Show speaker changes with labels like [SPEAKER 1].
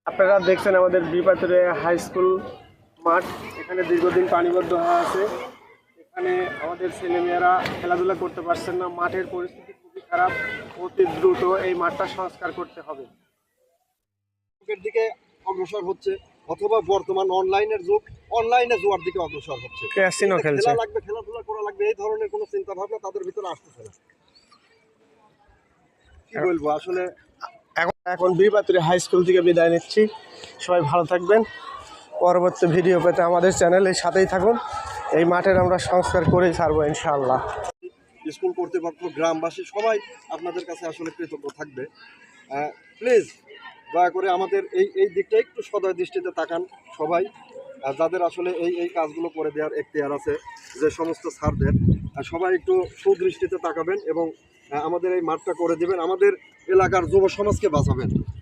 [SPEAKER 1] আপনারা দেখছেন আমাদের বিপাতুরে হাই স্কুল মাঠ। এখানে দীর্ঘদিন পানিবদ্ধ হয়ে আছে। এখানে আমাদের ছেলেমেয়েরা খেলাধুলা করতে পারছেন না। মাঠের পরিস্থিতি খুবই খারাপ। অতি দ্রুত এই মাঠটা সংস্কার করতে হবে।
[SPEAKER 2] দিকে অগ্রসর হচ্ছে, অথবা বর্তমান অনলাইনের যুগ, অনলাইনে জোয়ার দিকে অগ্রসর হচ্ছে।
[SPEAKER 1] ক্যাসিনো খেলছে,
[SPEAKER 2] খেলা লাগবে, খেলাধুলা করা লাগবে, এই ধরনের কোনো চিন্তা ভাবনা তাদের ভিতরে আসতেছে না। কি বলবো আসলে।
[SPEAKER 1] এখন বিপাতুরে হাই স্কুল থেকে বিদায় নিচ্ছি। সবাই ভালো থাকবেন। পরবর্তী ভিডিও পেতে আমাদের চ্যানেলের সাথেই থাকুন। এই মাঠের আমরা সংস্কার করেই ছাড়বো ইনশাআল্লাহ।
[SPEAKER 2] স্কুল কর্তৃপক্ষ, গ্রামবাসী সবাই আপনাদের কাছে আসলে কৃতজ্ঞ থাকবে। প্লিজ দয়া করে আমাদের এই দিকটা একটু সদয় দৃষ্টিতে তাকান সবাই। যাদের আসলে এই কাজগুলো করে দেওয়ার এখতিয়ার আছে, যে সমস্ত স্যারদের, সবাই একটু সুদৃষ্টিতে তাকাবেন এবং আমাদের এই মাঠটা করে দিবেন, আমাদের এলাকার যুব সমাজকে বাঁচাবেন।